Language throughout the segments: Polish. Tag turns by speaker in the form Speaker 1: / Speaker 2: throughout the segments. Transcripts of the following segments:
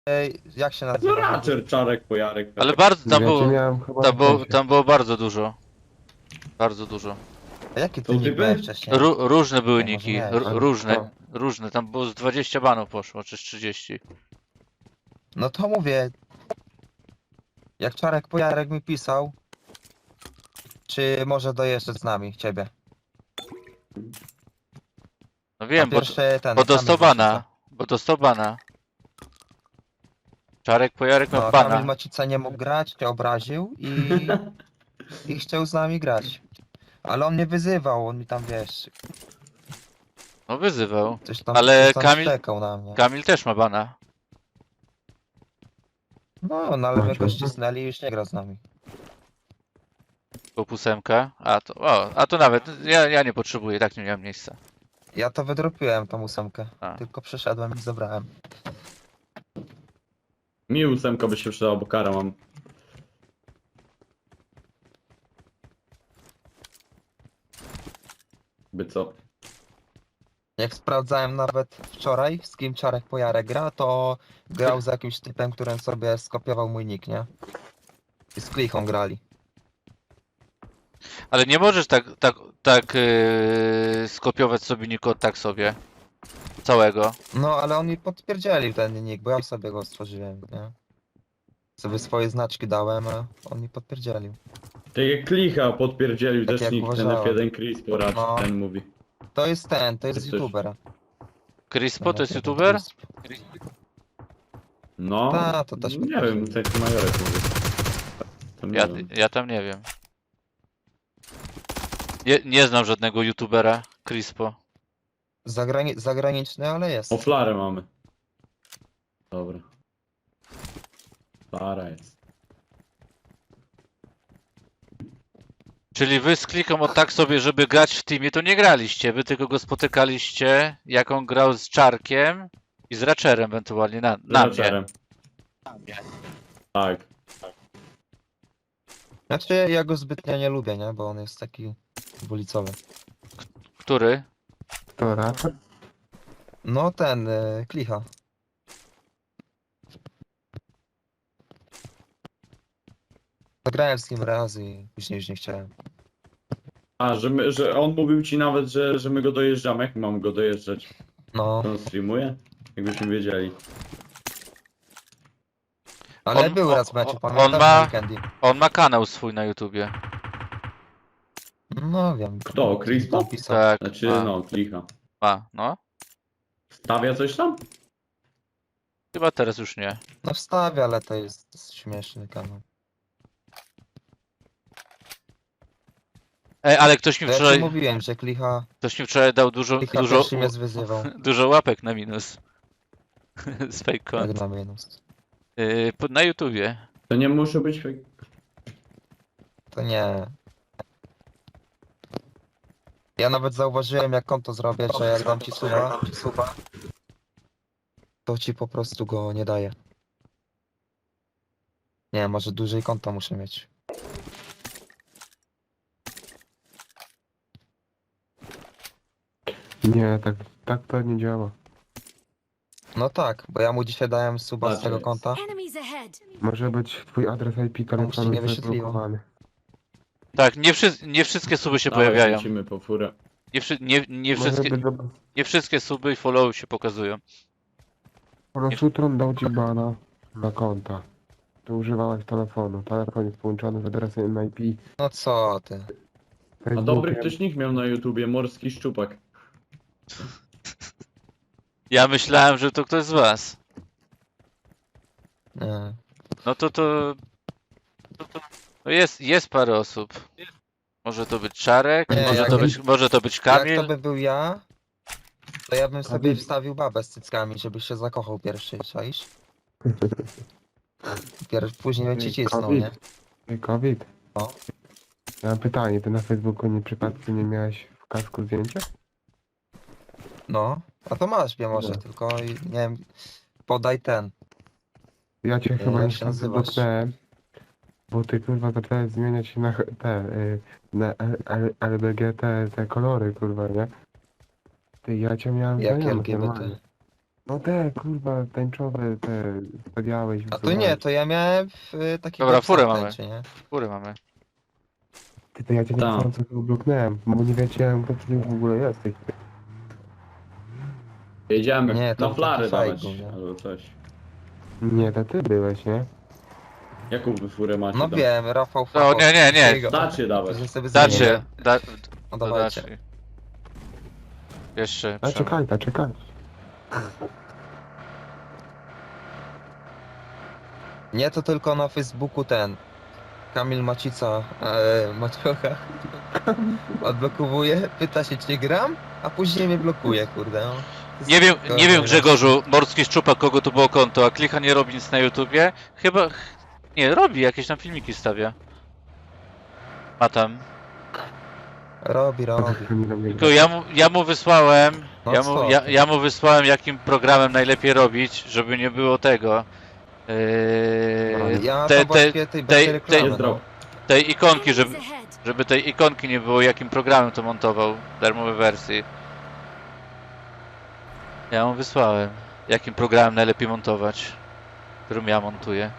Speaker 1: jak się
Speaker 2: No
Speaker 1: nazywa?
Speaker 2: raczej czarek, pojarek.
Speaker 3: Ale bardzo, tam
Speaker 4: Ja cię
Speaker 3: było,
Speaker 4: miałem chyba na fejsie.
Speaker 3: tam było bardzo dużo. Bardzo dużo.
Speaker 1: A jaki
Speaker 2: Są
Speaker 1: ty nick
Speaker 2: typy?
Speaker 1: miałeś wcześniej?
Speaker 3: Różne były
Speaker 1: Nie, może
Speaker 3: niki,
Speaker 1: miałeś.
Speaker 4: Ale
Speaker 3: różne,
Speaker 4: kto?
Speaker 3: różne. Tam było z 20 banów poszło, czy z 30.
Speaker 1: No to mówię. Jak Czarek Pojarek mi pisał, czy może dojeżdżać z nami, ciebie.
Speaker 3: No wiem,
Speaker 1: A pierwszy ten,
Speaker 3: bo
Speaker 1: Kamil
Speaker 3: dostał
Speaker 1: Macica.
Speaker 3: bana. Bo dostał bana. Czarek Pojarek miał
Speaker 1: No, Kamil
Speaker 3: bana.
Speaker 1: Macica nie mógł grać, cię obraził i chciał z nami grać. Ale on mnie wyzywał, on mi tam, wiesz,
Speaker 3: No wyzywał.
Speaker 1: coś
Speaker 3: Ale
Speaker 1: tam
Speaker 3: Kamil-
Speaker 1: szczekał na mnie.
Speaker 3: Kamil też ma bana.
Speaker 1: No ale my go
Speaker 4: Macie?
Speaker 1: ścisnęli i już nie gra z nami.
Speaker 3: Bo 8. A to nawet, ja nie potrzebuję, tak nie miałem miejsca.
Speaker 1: Ja to wydropiłem, tą 8.
Speaker 3: A.
Speaker 1: Tylko przeszedłem i zabrałem.
Speaker 2: Mi 8 by się przydała, bo kara mam. By co?
Speaker 1: Jak sprawdzałem nawet wczoraj, z kim Czarek Pojarek gra, to grał z jakimś typem, którym sobie skopiował mój nick, nie? I z klichą grali.
Speaker 3: Ale nie możesz tak skopiować sobie niko tak sobie. Całego.
Speaker 1: No, ale on mi potwierdzieli ten nick, bo ja sobie go stworzyłem, nie? Sobie swoje znaczki dałem, a on mi potwierdzielił.
Speaker 2: Tak jak klicha podpierdzielił
Speaker 1: Tak
Speaker 2: też
Speaker 1: jak
Speaker 2: nick, ten
Speaker 1: uważałem.
Speaker 2: F1 Chris porad,
Speaker 1: No.
Speaker 2: ten mówi.
Speaker 1: To jest to jest
Speaker 2: Coś-
Speaker 1: youtuber.
Speaker 3: Crispo to jest
Speaker 1: Ten
Speaker 3: youtuber?
Speaker 2: No,
Speaker 1: Ta, to też
Speaker 2: nie
Speaker 1: podpierdzielił.
Speaker 2: wiem, taki majorek mówi. Tam nie wiem.
Speaker 3: Ja tam nie wiem. Nie znam żadnego youtubera Crispo.
Speaker 1: Zagraniczny, ale jest.
Speaker 2: O, flarę mamy. Dobra. Flara jest.
Speaker 3: Czyli wy z kliką od tak sobie, żeby grać w teamie, to nie graliście. Wy tylko go spotykaliście, jak on grał z Czarkiem i z Ratcherem ewentualnie na mnie.
Speaker 2: Raczerem. Tak.
Speaker 1: Znaczy, ja go zbytnio nie lubię, nie? Bo on jest taki ulicowy.
Speaker 3: Który?
Speaker 4: To raczej?
Speaker 1: No, ten, klicha. Zagrałem z nim raz i później już nie chciałem.
Speaker 2: A, że on mówił ci nawet, że my go dojeżdżamy. Jak mam go dojeżdżać?
Speaker 1: No,
Speaker 2: On streamuje? Jakbyśmy wiedzieli.
Speaker 1: ale
Speaker 3: On-
Speaker 1: był
Speaker 3: on-
Speaker 1: raz w meczu,
Speaker 3: on
Speaker 1: pamiętasz?
Speaker 3: ma-
Speaker 1: Na weekendzie.
Speaker 3: On ma kanał swój na YouTubie.
Speaker 1: No, wiem.
Speaker 2: Kto? Chris
Speaker 1: Tam
Speaker 2: Pop?
Speaker 1: pisał.
Speaker 3: Tak,
Speaker 2: Znaczy,
Speaker 3: ma,
Speaker 2: no, klicha.
Speaker 3: no.
Speaker 2: Stawia coś tam?
Speaker 3: Chyba teraz już nie.
Speaker 1: No wstawia, ale to jest śmieszny kanał.
Speaker 3: Ale ktoś mi
Speaker 1: To ja ci
Speaker 3: wczoraj,
Speaker 1: mówiłem, że klicha
Speaker 3: dał dużo,
Speaker 1: pierwszy
Speaker 3: dużo,
Speaker 1: mnie zwyzywał.
Speaker 3: dużo łapek na minus. Z fake
Speaker 1: Jak
Speaker 3: kont.
Speaker 1: na minus.
Speaker 3: Na YouTubie.
Speaker 2: To nie muszę być fake.
Speaker 1: To nie. Ja nawet zauważyłem, jak konto zrobię, że jak dam ci suba, to ci po prostu go nie daje. Nie, może dłużej konta muszę mieć.
Speaker 4: Nie, tak to nie działa.
Speaker 1: No tak, bo ja mu dzisiaj dałem suba z tego
Speaker 2: Patrz,
Speaker 1: konta.
Speaker 5: Enemies ahead.
Speaker 4: Może być twój adres IP
Speaker 1: ci
Speaker 4: telefonu
Speaker 1: nie wyświetliło.
Speaker 4: zablokowany.
Speaker 3: Tak, nie wszystkie suby się
Speaker 2: Dawaj,
Speaker 3: pojawiają.
Speaker 2: lecimy po furę.
Speaker 3: Nie
Speaker 4: Może
Speaker 3: wszystkie,
Speaker 4: być, że
Speaker 3: nie wszystkie suby i followy się pokazują.
Speaker 4: po prostu Tron dał ci bana na konta. Tu używałeś telefonu. Telefon jest połączony z adresem IP.
Speaker 1: No co ty?
Speaker 2: A dobry
Speaker 4: Facebookiem.
Speaker 2: ktoś nick miał na YouTubie, Morski Szczupak.
Speaker 3: Ja myślałem, że to ktoś z was.
Speaker 1: Nie.
Speaker 3: No no jest parę osób. Może to być Czarek,
Speaker 1: Nie,
Speaker 3: może to być
Speaker 1: Jak
Speaker 3: Kamil.
Speaker 1: to by był ja, to ja bym sobie
Speaker 4: Kamil.
Speaker 1: wstawił babę z cyckami, żebyś się zakochał pierwszy, czaisz? Później bym ci cisnął, nie?
Speaker 4: Ej, COVID.
Speaker 1: O.
Speaker 4: Ja mam pytanie, ty na Facebooku przypadkiem nie miałeś w kasku zdjęcia?
Speaker 1: No, a to masz mnie może,
Speaker 4: No.
Speaker 1: tylko nie wiem, podaj ten.
Speaker 4: Ja cię chyba
Speaker 1: jak
Speaker 4: nie
Speaker 1: się nazywasz?
Speaker 4: dotknąłem, bo ty kurwa zacząłeś zmieniać się na na LGBT te kolory kurwa, nie? Ty, ja cię miałem
Speaker 1: Jak
Speaker 4: znajomych
Speaker 1: LGBT?
Speaker 4: normalnie. No te, kurwa, tęczowe, te stawiałeś.
Speaker 1: A to nie, to ja miałem w taki
Speaker 3: Dobra, furę
Speaker 1: boxer
Speaker 3: mamy.
Speaker 1: tęczy, nie?
Speaker 3: Góry mamy.
Speaker 4: Ty, to ja cię nie
Speaker 2: Tak.
Speaker 4: chcąc bloknąłem, bo nie wiedziałem, kto ty w ogóle jesteś.
Speaker 2: Jedziemy
Speaker 1: Nie, to
Speaker 2: na
Speaker 1: był
Speaker 2: flary
Speaker 1: taki
Speaker 2: dawać,
Speaker 1: fake, nie?
Speaker 2: albo coś.
Speaker 4: Nie, to ty byłeś, nie?
Speaker 2: Jaką wy furę macie
Speaker 1: No
Speaker 2: tam?
Speaker 1: wiem, Rafał
Speaker 3: No,
Speaker 1: Fachowski.
Speaker 3: nie, nie.
Speaker 1: Jego.
Speaker 2: Dacie dawać.
Speaker 1: Że sobie zmienię.
Speaker 3: Dacie.
Speaker 1: No dawajcie.
Speaker 3: Dacie. Jeszcze.
Speaker 4: A
Speaker 3: Przemo.
Speaker 4: czekaj.
Speaker 1: Nie, to tylko na Facebooku ten Kamil Macica, Maciocha odblokowuje, pyta się czy gram, a później mnie blokuje, kurde. No.
Speaker 3: Nie wiem Grzegorzu, Morski Szczupak, kogo tu było konto, a Klicha nie robi nic na YouTubie? Chyba... Nie, robi, jakieś tam filmiki stawia. Ma tam.
Speaker 1: Robi.
Speaker 3: Tylko ja mu wysłałem...
Speaker 1: No
Speaker 3: Ja
Speaker 1: co
Speaker 3: mu,
Speaker 1: ty?
Speaker 3: ja mu wysłałem jakim programem najlepiej robić, żeby nie było tego.
Speaker 1: Ja
Speaker 3: te-
Speaker 1: to właściwie tej bez
Speaker 3: tej-
Speaker 1: reklamy,
Speaker 2: Jest
Speaker 1: no.
Speaker 2: drop.
Speaker 3: Tej ikonki,
Speaker 5: Enemies ahead.
Speaker 3: żeby tej ikonki nie było, jakim programem to montował w darmowej wersji. Ja mu wysłałem, jakim programem najlepiej montować, którym ja montuję.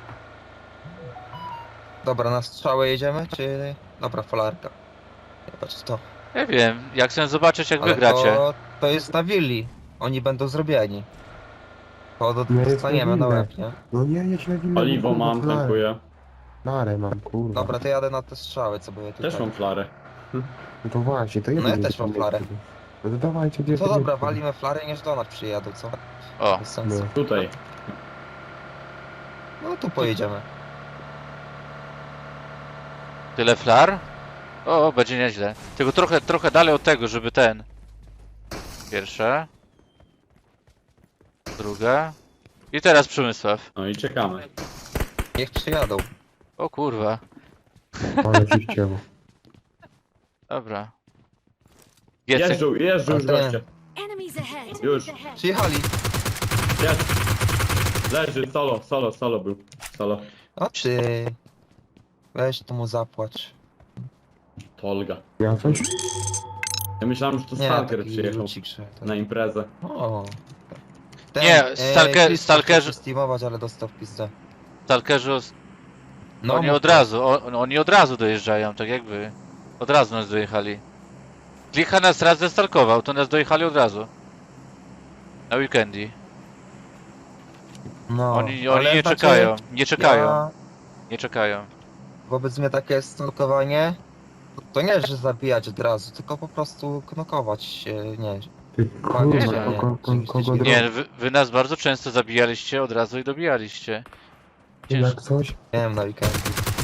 Speaker 1: Dobra, na strzałę jedziemy, czy... Dobra, falarka. Nie patrz to.
Speaker 3: Ja wiem, jak chcę zobaczyć jak
Speaker 1: Ale
Speaker 3: wygracie.
Speaker 1: to jest na willi. Oni będą zrobieni. To
Speaker 4: Nie jest
Speaker 1: dostaniemy na
Speaker 4: na
Speaker 1: łeb, nie?
Speaker 4: No nie, jedź na winę.
Speaker 2: Paliwo mam, tankuję.
Speaker 4: Narę mam, kurwa.
Speaker 1: Dobra, to jadę na te strzały, co były tutaj.
Speaker 2: Też mam flarę.
Speaker 4: No to właśnie, to
Speaker 1: No ja też mam flarę.
Speaker 4: No to dawajcie, gdzie
Speaker 1: To dobra, walimy flary, niż do nas przyjadą, co?
Speaker 3: O,
Speaker 1: Bez sensu.
Speaker 4: No.
Speaker 2: Tutaj.
Speaker 1: No tu pojedziemy.
Speaker 3: tyle flar? O, będzie nieźle. Tylko trochę dalej od tego, żeby ten... Pierwsze. Druga. I teraz Przemysław.
Speaker 2: No i czekamy.
Speaker 1: Niech przyjadą.
Speaker 3: O kurwa.
Speaker 4: Ale ci chciało.
Speaker 3: Dobra. Giecy?
Speaker 2: Jeżdżą już
Speaker 1: A ten-
Speaker 2: goście.
Speaker 5: Enemies ahead.
Speaker 2: Już.
Speaker 1: Przyjechali.
Speaker 2: Jest. Leży, solo był. Solo.
Speaker 1: O ty. Weź tu mu zapłacz.
Speaker 2: To Olga.
Speaker 4: Ja coś?
Speaker 2: Ja myślałem, że to
Speaker 1: Nie,
Speaker 2: Stalker
Speaker 1: taki
Speaker 2: przyjechał
Speaker 1: lucik, że to...
Speaker 2: na imprezę.
Speaker 1: O.
Speaker 3: Nie,
Speaker 1: Chris
Speaker 3: Stalker-
Speaker 1: chciał steamować, ale dostał w pizdę.
Speaker 3: Stalkerzy,
Speaker 1: No,
Speaker 3: oni
Speaker 1: mów
Speaker 3: od
Speaker 1: to.
Speaker 3: razu, oni od razu dojeżdżają, tak jakby. Od razu nas dojechali. Klicha nas raz zestalkował, to nas dojechali od razu. Na weekendy.
Speaker 1: No,
Speaker 3: Oni
Speaker 1: ale
Speaker 3: nie
Speaker 1: znaczy,
Speaker 3: czekają, nie czekają,
Speaker 1: Ja,
Speaker 3: nie czekają.
Speaker 1: wobec mnie takie stalkowanie, to nie, że zabijać od razu, tylko po prostu knokować się, nie.
Speaker 4: Ty
Speaker 1: Nie,
Speaker 4: kurwa,
Speaker 1: nie,
Speaker 4: kogo
Speaker 3: Nie, wy nas bardzo często zabijaliście od razu i dobijaliście.
Speaker 4: Jak coś?
Speaker 1: Miałem na weekendzie.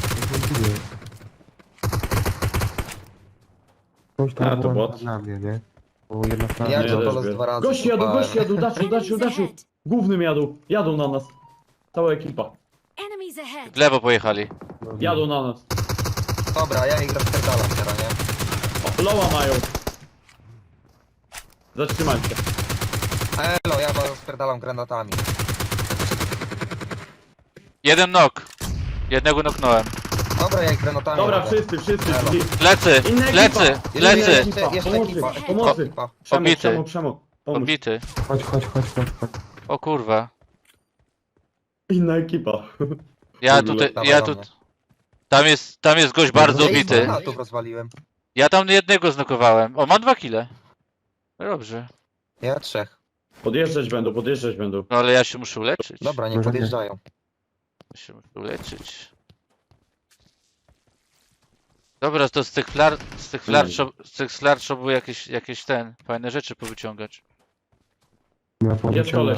Speaker 4: Coś tam
Speaker 2: A, to
Speaker 4: było
Speaker 2: bot.
Speaker 4: dla mnie, nie? Bo jedna strona...
Speaker 1: Ja
Speaker 2: Nie,
Speaker 1: to
Speaker 2: też
Speaker 1: polos
Speaker 2: wiem.
Speaker 1: 2 razy.
Speaker 2: Gości jadą,
Speaker 1: kopałem.
Speaker 2: Daciu.
Speaker 5: Enemies ahead.
Speaker 2: Głównym jadą na nas. Cała ekipa.
Speaker 5: Enemies ahead.
Speaker 3: W lewo pojechali.
Speaker 2: Jadą na nas.
Speaker 1: Dobra, ja ich rozpierdalam teraz, nie?
Speaker 2: O, loła mają. Zatrzymajcie.
Speaker 1: Elo, ja was rozpierdalam granatami.
Speaker 3: Jeden nok. Jednego noknąłem.
Speaker 1: Dobra, ja ich granatami
Speaker 2: Dobra,
Speaker 1: robię.
Speaker 2: wszyscy.
Speaker 1: Elo.
Speaker 3: Plecy,
Speaker 2: Inna
Speaker 3: plecy,
Speaker 2: ekipa.
Speaker 3: plecy.
Speaker 1: Jeszcze
Speaker 2: Pomocy,
Speaker 1: ekipa,
Speaker 2: pomocy.
Speaker 1: ekipa.
Speaker 3: Pobity.
Speaker 2: Przemo. Pomóż.
Speaker 3: Odbity.
Speaker 4: Chodź.
Speaker 3: O kurwa.
Speaker 2: Inna ekipa.
Speaker 3: Ja
Speaker 2: W ogóle.
Speaker 3: tutaj,
Speaker 1: Dawaj
Speaker 3: ja
Speaker 1: do
Speaker 3: tu...
Speaker 1: mnie.
Speaker 3: Tam jest gość bardzo
Speaker 1: Ja ich
Speaker 3: obity.
Speaker 1: granatów rozwaliłem.
Speaker 3: Ja tam jednego znokowałem. O, mam 2 kile. Dobrze.
Speaker 1: Ja 3.
Speaker 2: Podjeżdżać będą.
Speaker 3: No ale ja się muszę uleczyć.
Speaker 1: Dobra, nie
Speaker 4: Może nie.
Speaker 1: podjeżdżają.
Speaker 3: Ja się muszę uleczyć. Dobra, to z tych flar trzeba było jakieś fajne rzeczy powyciągać.
Speaker 4: Ja
Speaker 2: Jest koleś.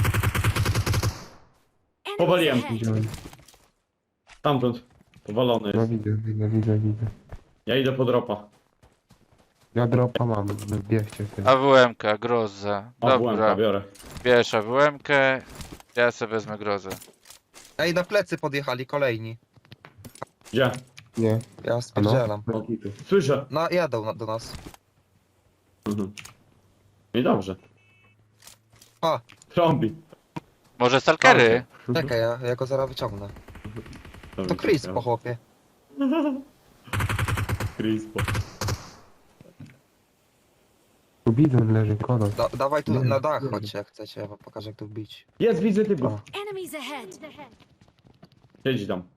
Speaker 5: Enemies
Speaker 2: Powaliłem.
Speaker 5: ahead.
Speaker 4: Widziałem.
Speaker 2: Stamtąd. Powalony
Speaker 4: No
Speaker 2: jest.
Speaker 4: widzę.
Speaker 2: Ja idę po dropa.
Speaker 4: Ja dropa mam, bierzcie ty.
Speaker 3: AWM-ka, groza.
Speaker 2: A
Speaker 3: Dobra,
Speaker 2: biorę.
Speaker 3: bierz AWM-kę. Ja sobie wezmę grozę.
Speaker 1: Ej, na plecy podjechali kolejni.
Speaker 2: Gdzie?
Speaker 4: Nie.
Speaker 1: Ja spierdzielam.
Speaker 4: No, kitu.
Speaker 2: Słyszę.
Speaker 1: No, jadą do nas.
Speaker 2: Mhm. I dobrze.
Speaker 1: A.
Speaker 2: Trąbi.
Speaker 3: Może stalkery?
Speaker 1: Czekaj, ja go zaraz wyciągnę.
Speaker 2: Trąbi
Speaker 1: To Chris
Speaker 2: się
Speaker 1: po chłopie.
Speaker 2: Chris po.
Speaker 4: widzę, leży kolos.
Speaker 1: Dawaj tu
Speaker 4: Nie,
Speaker 1: na dach,
Speaker 4: nie.
Speaker 1: chodźcie jak chcecie, ja wam pokażę jak tu wbić.
Speaker 2: Jest, widzę typów.
Speaker 4: O,
Speaker 5: Enemies ahead!
Speaker 2: Siedzi tam.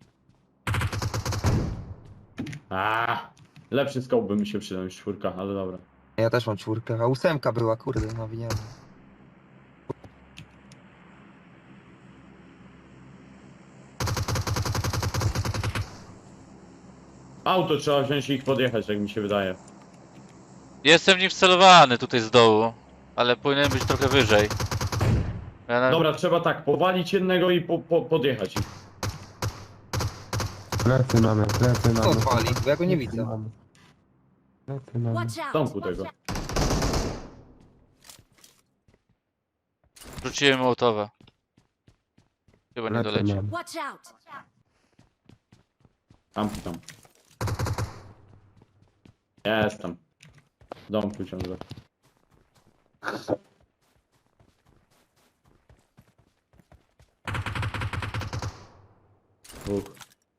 Speaker 2: Lepszy scope by mi się przydał niż 4, ale dobra.
Speaker 1: Ja też mam 4, a 8 była, kurde, nawiniemy.
Speaker 2: Auto trzeba wziąć i ich podjechać, jak mi się wydaje.
Speaker 3: Jestem w nich wcelowany tutaj z dołu, ale powinien być trochę wyżej. Ja na...
Speaker 2: Dobra, trzeba tak, powalić jednego i podjechać ich.
Speaker 4: plecy mamy, plecy
Speaker 1: Co
Speaker 4: mamy.
Speaker 1: odwali? Bo ja go nie
Speaker 4: Plecy
Speaker 1: widzę.
Speaker 4: mamy. Plecy mamy.
Speaker 5: Watch
Speaker 2: W
Speaker 5: out!
Speaker 2: domku tego.
Speaker 3: Rzuciłem Mołotowa. Chyba nie
Speaker 4: Plecy
Speaker 3: doleci.
Speaker 4: mamy.
Speaker 5: Watch out!
Speaker 2: Tam. Jestem. W domku ciągle. Dwóch.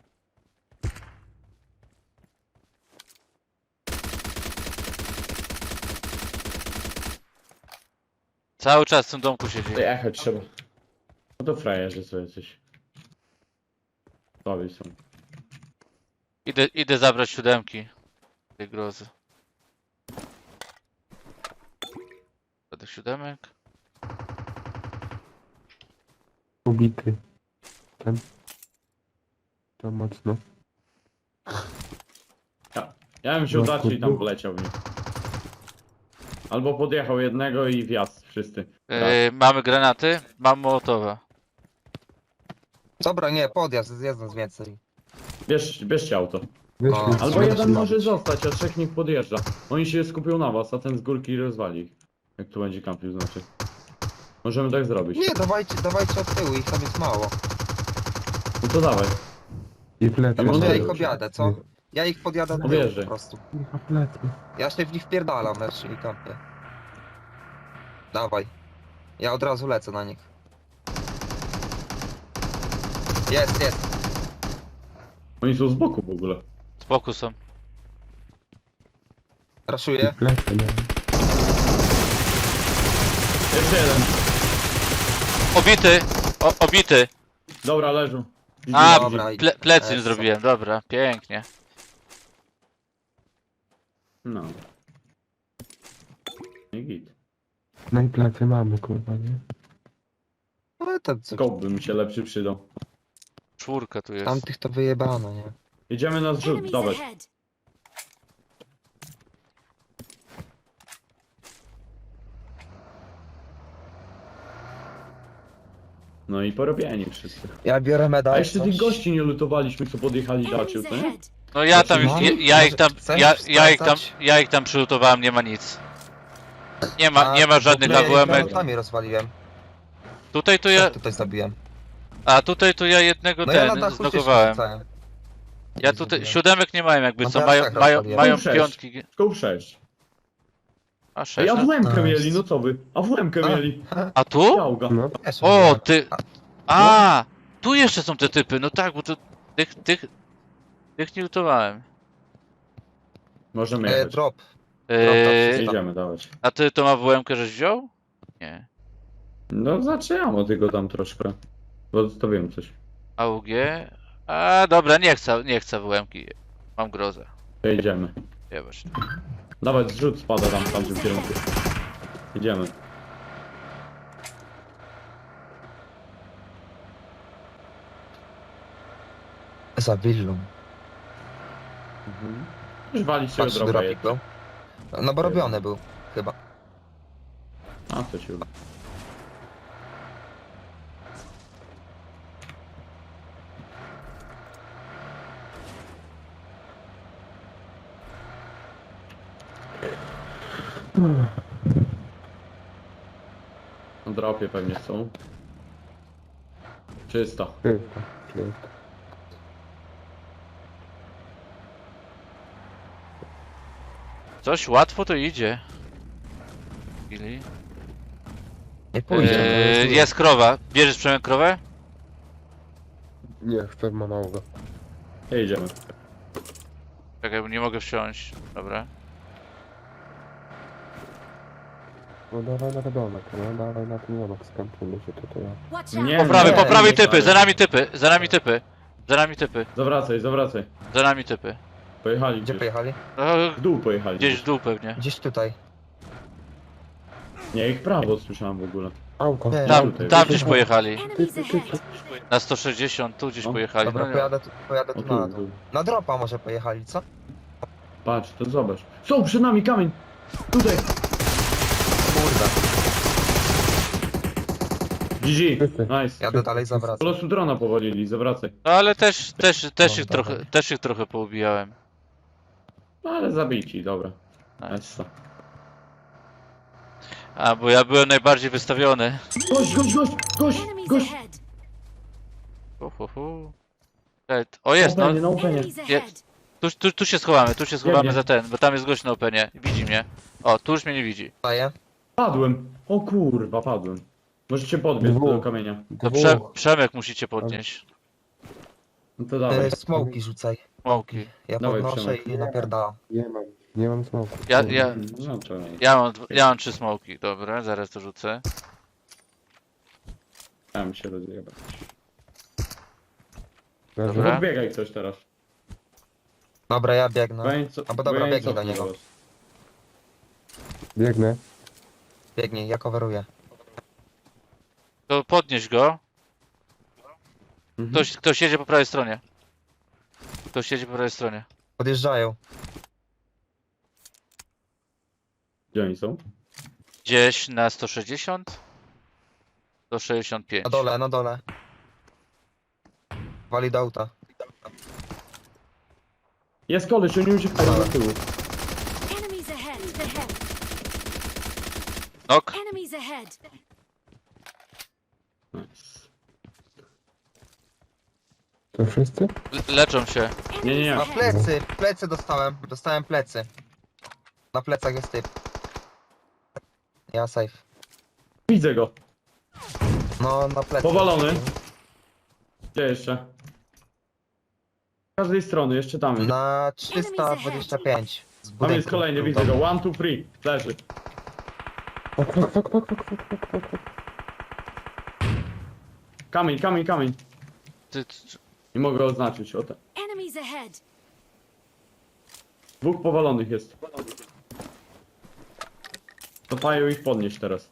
Speaker 3: Cały czas w tym domku siedzi.
Speaker 2: Jechać trzeba. No to frajerzy sobie coś. Słabi są.
Speaker 3: Idę zabrać 7 tej grozy. Do tych 7.
Speaker 4: Ubity. Ten. To mocno.
Speaker 2: Ja bym się udaczył i tam poleciał w nich. Albo podjechał jednego i wjazd wszyscy.
Speaker 3: Mamy granaty, mam Mołotowa.
Speaker 1: Dobra, nie, podjazd, jest nas więcej.
Speaker 2: Bierzcie auto.
Speaker 4: Wyszli,
Speaker 1: O,
Speaker 2: Albo
Speaker 4: trzeba
Speaker 2: jeden
Speaker 4: się
Speaker 2: może
Speaker 4: bawić.
Speaker 2: zostać, a trzech niech podjeżdża. Oni się skupią na was, a ten z górki rozwali ich. Jak tu będzie kampił, znaczy. Możemy tak zrobić.
Speaker 1: Nie, dawajcie od tyłu, ich tam jest mało.
Speaker 2: No to dawaj.
Speaker 4: I plecy.
Speaker 2: A
Speaker 1: Może
Speaker 2: może
Speaker 1: ja
Speaker 2: Dobra.
Speaker 1: ich objadę, co? Ja ich podjadę do tyłu
Speaker 2: Objeżdżaj.
Speaker 1: po prostu.
Speaker 4: A plecy.
Speaker 1: Ja się w nich wpierdalam, lecz i kampię. Dawaj. Ja od razu lecę na nich. Jest.
Speaker 2: Oni są z boku w ogóle.
Speaker 3: Spoko są.
Speaker 4: I
Speaker 1: Raszuję.
Speaker 4: plecy mamy.
Speaker 2: Jeszcze jeden.
Speaker 3: Obity! Obity!
Speaker 2: Dobra, leżą.
Speaker 3: A,
Speaker 1: Dobra,
Speaker 3: plecy im
Speaker 1: Essa.
Speaker 3: zrobiłem, dobra, pięknie.
Speaker 2: No. I git.
Speaker 4: No i plecy mamy, kurwa, nie?
Speaker 1: Ale to,
Speaker 2: Scope by mi się lepszy przydał.
Speaker 3: 4 tu jest.
Speaker 1: tamtych to wyjebano, nie?
Speaker 2: Idziemy na zrzut,
Speaker 5: Enemies
Speaker 2: dawaj.
Speaker 5: ahead!
Speaker 2: No i porobieni wszyscy.
Speaker 1: Ja biorę medal.
Speaker 2: A jeszcze tych gości nie lutowaliśmy, co podjechali daciu,
Speaker 5: Enemies
Speaker 2: to nie?
Speaker 5: ahead!
Speaker 3: No ja tam,
Speaker 1: No,
Speaker 3: ja ich tam,
Speaker 1: chcesz sprawdzać?
Speaker 3: ja ich tam przylutowałem, nie ma nic. Nie ma żadnych
Speaker 1: Ja
Speaker 3: AWM-ek.
Speaker 1: granatami rozwaliłem.
Speaker 3: Tutaj to
Speaker 1: Ja
Speaker 3: ja,
Speaker 1: tutaj zabiłem.
Speaker 3: a tutaj to ja jednego
Speaker 1: No ja na
Speaker 3: ten
Speaker 1: dachu się
Speaker 3: znokowałem.
Speaker 1: rzucałem.
Speaker 3: Ja tutaj 7 nie mają jakby
Speaker 1: No
Speaker 3: co,
Speaker 1: to ja
Speaker 3: mają,
Speaker 1: trzech
Speaker 3: mają,
Speaker 1: rozwaliłem.
Speaker 3: mają
Speaker 2: Sześć.
Speaker 3: piątki.
Speaker 2: Scope 6.
Speaker 3: A
Speaker 2: Ej,
Speaker 3: 6.
Speaker 2: AWM-kę
Speaker 1: nice.
Speaker 2: mieli, no co wy? AWM-kę
Speaker 1: A.
Speaker 2: mieli.
Speaker 3: A tu?
Speaker 2: Działga.
Speaker 4: No,
Speaker 1: Też
Speaker 3: O,
Speaker 1: miałem.
Speaker 3: ty. A, tu jeszcze są te typy, no tak, bo to tych nie lutowałem.
Speaker 2: Możemy jechać.
Speaker 1: Drop.
Speaker 2: Idziemy, dawać.
Speaker 3: A ty tą AWM-kę żeś wziął? Nie.
Speaker 2: No zaczynamy tylko tam troszkę. Bo to wiem coś.
Speaker 3: AUG? A dobra, nie chcę AWM-ki. Mam grozę.
Speaker 2: To idziemy.
Speaker 3: Jebać.
Speaker 2: Dawać zrzut spada tam w tamtym kierunku. Idziemy.
Speaker 1: Za willą.
Speaker 2: Już waliście
Speaker 1: Patrz,
Speaker 2: droga
Speaker 1: dropik był. No bo robiony był, chyba.
Speaker 2: A to się uda. Na dropie pewnie są. Czysto.
Speaker 4: czysto, czysto.
Speaker 3: Coś łatwo to idzie. Chwili.
Speaker 1: Nie pójdzie. to jest
Speaker 3: Jest krowa. Bierzesz Przemek krowę?
Speaker 4: Nie, chcę monauga.
Speaker 2: Jedziemy.
Speaker 3: Czekaj, bo nie mogę wsiąść. Dobra.
Speaker 4: No dawaj na domek, no dawaj na ten domek, skampujmy się tutaj.
Speaker 5: Watch out!
Speaker 2: Nie,
Speaker 3: Po prawej,
Speaker 2: nie,
Speaker 3: po prawej
Speaker 2: nie,
Speaker 3: typy,
Speaker 2: nie.
Speaker 3: za nami typy, za nami typy. Za nami typy,
Speaker 2: Zawracaj, zawracaj.
Speaker 3: za nami typy.
Speaker 2: Pojechali
Speaker 1: Gdzie
Speaker 2: gdzieś.
Speaker 1: pojechali?
Speaker 3: No,
Speaker 2: W dół pojechali.
Speaker 3: gdzieś w dół pewnie.
Speaker 1: Gdzieś tutaj.
Speaker 2: Nie, ich prawo słyszałem w ogóle.
Speaker 4: Auto.
Speaker 1: Nie.
Speaker 3: Tam,
Speaker 2: tutaj,
Speaker 3: tam
Speaker 2: tutaj.
Speaker 3: gdzieś pojechali.
Speaker 5: Enemies ahead!
Speaker 3: Na 160, tu gdzieś
Speaker 2: No,
Speaker 3: pojechali.
Speaker 1: Dobra,
Speaker 3: No, nie.
Speaker 1: pojadę
Speaker 2: O
Speaker 1: tu
Speaker 2: tu,
Speaker 1: na dół.
Speaker 2: tu.
Speaker 1: Na dropa może pojechali, co?
Speaker 2: Patrz, to zobacz. Są przed nami kamień! Tutaj!
Speaker 1: Kurde.
Speaker 2: GG,
Speaker 4: Wszyscy.
Speaker 2: nice.
Speaker 1: Jadę dalej,
Speaker 2: Po
Speaker 1: zawracam.
Speaker 2: prostu drona powalili, zawracaj.
Speaker 3: No ale też
Speaker 1: No,
Speaker 3: ich trochę poubijałem.
Speaker 2: No ale zabijci, dobra.
Speaker 3: Nice.
Speaker 2: Nice.
Speaker 3: A, bo ja byłem najbardziej wystawiony.
Speaker 2: Gość, gość, gość, gość,
Speaker 5: Enemies
Speaker 2: gość!
Speaker 5: ahead!
Speaker 3: O jest, no.
Speaker 2: Na openie.
Speaker 5: Enemies ahead!
Speaker 3: Tu się schowamy,
Speaker 2: Biegnie.
Speaker 3: za ten, bo tam jest gość na openie. Widzi mnie. O, tu już mnie nie widzi.
Speaker 1: Daję.
Speaker 2: Padłem. O kurwa, padłem. Możecie podbiec
Speaker 4: Dwóch.
Speaker 2: do kamienia.
Speaker 3: To Przemek musicie podnieść.
Speaker 2: No to dawaj.
Speaker 1: Smoki rzucaj.
Speaker 3: Smoki.
Speaker 1: Ja
Speaker 2: Dawaj,
Speaker 1: podnoszę
Speaker 2: Przemek.
Speaker 1: i napierdalam.
Speaker 4: Nie mam smoku.
Speaker 2: No to nie.
Speaker 3: Ja mam 3 smoki, dobra, zaraz to rzucę.
Speaker 2: Tam się rozjebać.
Speaker 3: Dobra.
Speaker 2: Podbiegaj ktoś teraz.
Speaker 1: Dobra, ja biegnę.
Speaker 2: Weńco-
Speaker 1: Albo dobra,
Speaker 2: weńco
Speaker 1: biegnij do niego.
Speaker 2: teraz.
Speaker 4: Biegnę.
Speaker 1: Biegnij, ja coveruję.
Speaker 3: To podnieś go.
Speaker 2: Mhm.
Speaker 3: Ktoś jedzie po prawej stronie. Ktoś jedzie po prawej stronie.
Speaker 1: Podjeżdżają.
Speaker 2: Gdzie oni są?
Speaker 3: Gdzieś na 160? 165.
Speaker 1: Na dole, na dole. Wali do auta.
Speaker 2: Jest koleś, oni uciekają do tyłu.
Speaker 5: Enemies ahead!
Speaker 3: Nok.
Speaker 5: Enemies ahead!
Speaker 2: Nice.
Speaker 4: To wszyscy?
Speaker 3: Leczą się.
Speaker 2: Nie, nie, nie.
Speaker 1: Na plecy dostałem. Dostałem plecy. Na plecach jest typ. Ja safe.
Speaker 2: Widzę go.
Speaker 1: No, na plecy.
Speaker 2: Powalony. Gdzie jeszcze? Z każdej strony, jeszcze tam jest.
Speaker 1: Na 325. Z
Speaker 2: Tam
Speaker 1: budynku.
Speaker 2: jest kolejny, widzę go. 1, 2, 3. Leży. Kamień, kamień, kamień. Nie mogę oznaczyć. O te.
Speaker 5: Enemies ahead!
Speaker 2: Dwóch powalonych jest. Cofają ich podnieść teraz.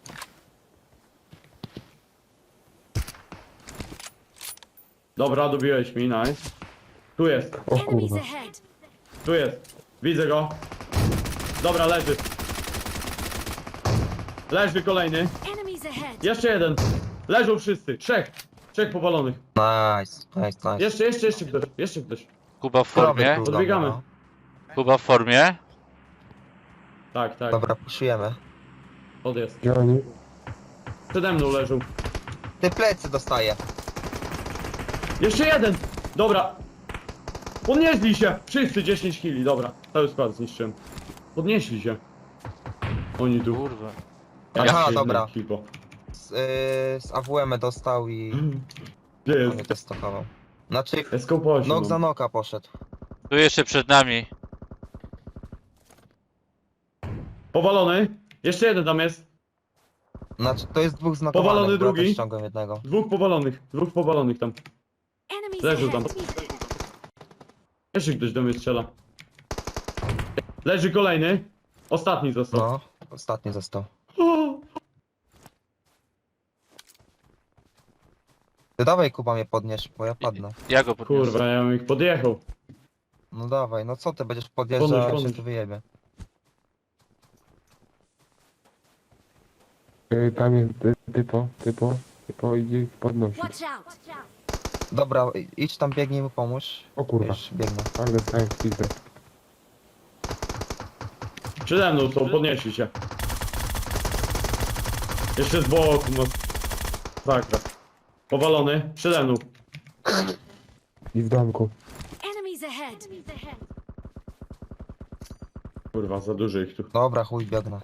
Speaker 2: Dobra, dobiłeś mi, nice. Tu jest,
Speaker 4: O
Speaker 5: Enemies
Speaker 4: kurwa.
Speaker 5: ahead!
Speaker 2: tu jest. Widzę go. Dobra, leży. Leży kolejny.
Speaker 5: Enemies ahead!
Speaker 2: Jeszcze jeden. Leżą wszyscy. Trzech. Trzech powalonych.
Speaker 1: Nice.
Speaker 2: Jeszcze ktoś. Jeszcze ktoś.
Speaker 3: Kuba w formie.
Speaker 2: Podbiegamy.
Speaker 1: No.
Speaker 3: Kuba w formie.
Speaker 2: Tak, tak.
Speaker 1: Dobra, puszujemy.
Speaker 2: Odjazd.
Speaker 4: Gdzie oni?
Speaker 2: Przede mną leżą.
Speaker 1: Ty plecy dostaję.
Speaker 2: Jeszcze jeden! Dobra. Podnieśli się! Wszyscy 10 kili, dobra. Cały skład zniszczyłem. Podnieśli się. Oni tu.
Speaker 3: Kurwa.
Speaker 1: Aha,
Speaker 2: Jak
Speaker 1: dobra.
Speaker 2: Ekipo.
Speaker 1: Z AWM dostał i
Speaker 2: Gdzie
Speaker 1: on mnie
Speaker 2: jest?
Speaker 1: testował. Znaczy,
Speaker 2: Escope 8.
Speaker 1: nok za noka poszedł.
Speaker 3: Tu jeszcze przed nami.
Speaker 2: Powalony. Jeszcze jeden tam jest.
Speaker 1: Znaczy, to jest dwóch znakowanych,
Speaker 2: Powalony
Speaker 1: bo ja
Speaker 2: drugi.
Speaker 1: też ściągam jednego.
Speaker 2: Dwóch powalonych. Dwóch powalonych tam.
Speaker 5: Enemies
Speaker 2: Leżą tam.
Speaker 5: ahead!
Speaker 2: Jeszcze ktoś do mnie strzela. Leży kolejny. Ostatni został.
Speaker 1: No, ostatni został.
Speaker 2: O!
Speaker 1: Ty dawaj, Kuba, mnie podniesz, bo ja padnę.
Speaker 3: Ja go podniosę.
Speaker 2: Kurwa, ja bym ich podjechał.
Speaker 1: No dawaj, no co ty będziesz podjeżdżał,
Speaker 2: Podnieś,
Speaker 1: jak się
Speaker 2: podnieś.
Speaker 1: tu wyjebie.
Speaker 4: Tam jest typo idzie ich podnosić.
Speaker 5: Watch out!
Speaker 1: Dobra, idź tam, biegnij mu pomóż.
Speaker 4: O kurwa.
Speaker 1: Już biegnę.
Speaker 4: Ale dostałem w pizdę.
Speaker 2: Przede mną są, podnieśli się. Jeszcze z boku, no. Sakra. Powalony, przede mną.
Speaker 4: I w domku.
Speaker 5: Enemies ahead!
Speaker 2: Kurwa, za dużo ich tu.
Speaker 1: Dobra, chuj, biegnę.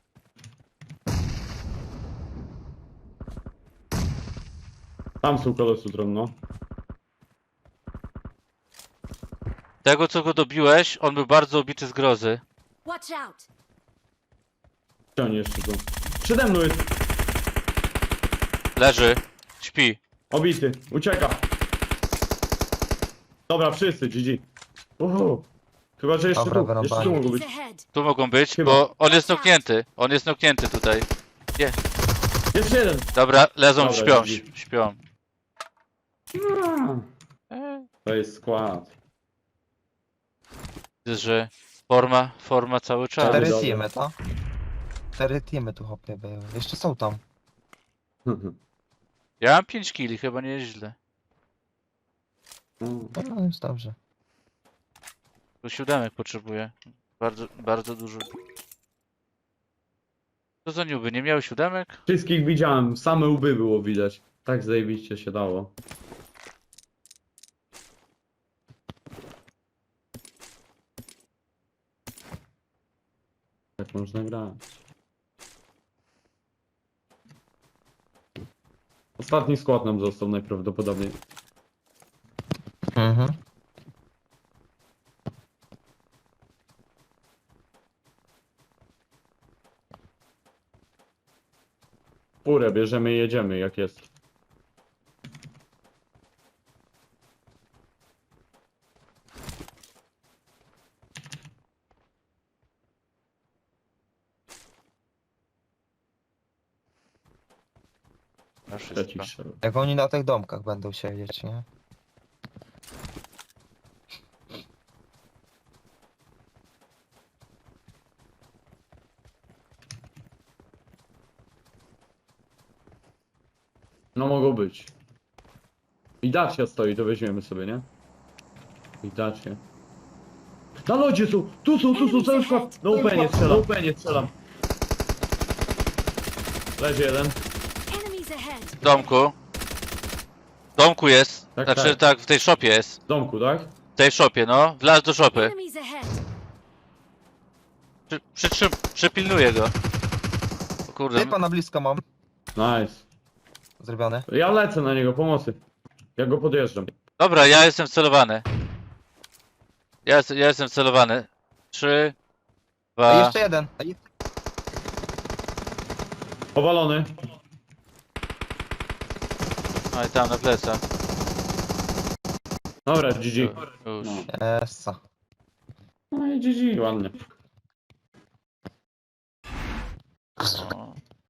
Speaker 2: Tam są kolosutron, no.
Speaker 3: Tego co go dobiłeś, on był bardzo obity z grozy.
Speaker 5: Watch out!
Speaker 2: Gdzie oni jeszcze są? Przede mną jest
Speaker 3: Leży. Śpi.
Speaker 2: obity. Ucieka. Dobra, wszyscy, GG. Chyba, że jeszcze
Speaker 1: Dobra,
Speaker 2: tu. Jeszcze
Speaker 1: wyrąbane.
Speaker 2: tu mogą
Speaker 5: Enemies
Speaker 2: być.
Speaker 5: ahead.
Speaker 3: Tu mogą być,
Speaker 2: Chyba.
Speaker 3: bo on jest noknięty. On jest noknięty tutaj.
Speaker 2: Jeszcze jeden.
Speaker 3: Dobra, lezą,
Speaker 2: Dobra,
Speaker 3: śpią,
Speaker 2: GG.
Speaker 3: śpią.
Speaker 2: To jest skład.
Speaker 3: Widzę, że forma cały czas.
Speaker 2: Cztery.
Speaker 1: 4
Speaker 2: dobra.
Speaker 1: teamy, to? 4 teamy tu hopie były. Jeszcze są tam.
Speaker 3: Ja mam 5 kili, chyba nie jest źle.
Speaker 1: No jest dobrze.
Speaker 3: Tu 7 potrzebuję. Bardzo dużo. Co za niuby, nie miały 7?
Speaker 2: Wszystkich widziałem, same łby było widać. Tak zajebiście się dało. Tak można grać. Ostatni skład nam został najprawdopodobniej.
Speaker 1: Mhm.
Speaker 2: Furę bierzemy i jedziemy jak jest.
Speaker 3: Na
Speaker 2: Trzeci
Speaker 3: wszystko.
Speaker 2: strzel.
Speaker 1: Jak oni na tych domkach będą siedzieć, nie?
Speaker 2: No mogą być. I Dacia stoi, to weźmiemy sobie, nie? I Dacia. Na lodzie są! Tu są, cały skład! Na upenie strzelam. Leży jeden.
Speaker 5: Enemies ahead.
Speaker 3: W domku. W domku jest.
Speaker 2: Tak,
Speaker 3: Znaczy
Speaker 2: tak.
Speaker 3: tak, w tej szopie jest.
Speaker 2: W domku, tak?
Speaker 3: W tej szopie, no. Wlazł do szopy.
Speaker 5: Enemies ahead.
Speaker 3: Przypilnuję go. O kurde.
Speaker 1: Typa na blisko mam.
Speaker 2: Nice.
Speaker 1: Zrobione.
Speaker 2: Ja lecę na niego, pomocy. Ja go podjeżdżam.
Speaker 3: Dobra, ja jestem wcelowany. Ja jestem wcelowany. 3,
Speaker 1: A
Speaker 3: 2.
Speaker 1: jeszcze jeden.
Speaker 2: Powalony.
Speaker 3: No i tam na plecach.
Speaker 2: Dobra, GG.
Speaker 3: Już.
Speaker 1: Essa.
Speaker 2: No i GG, ładnie.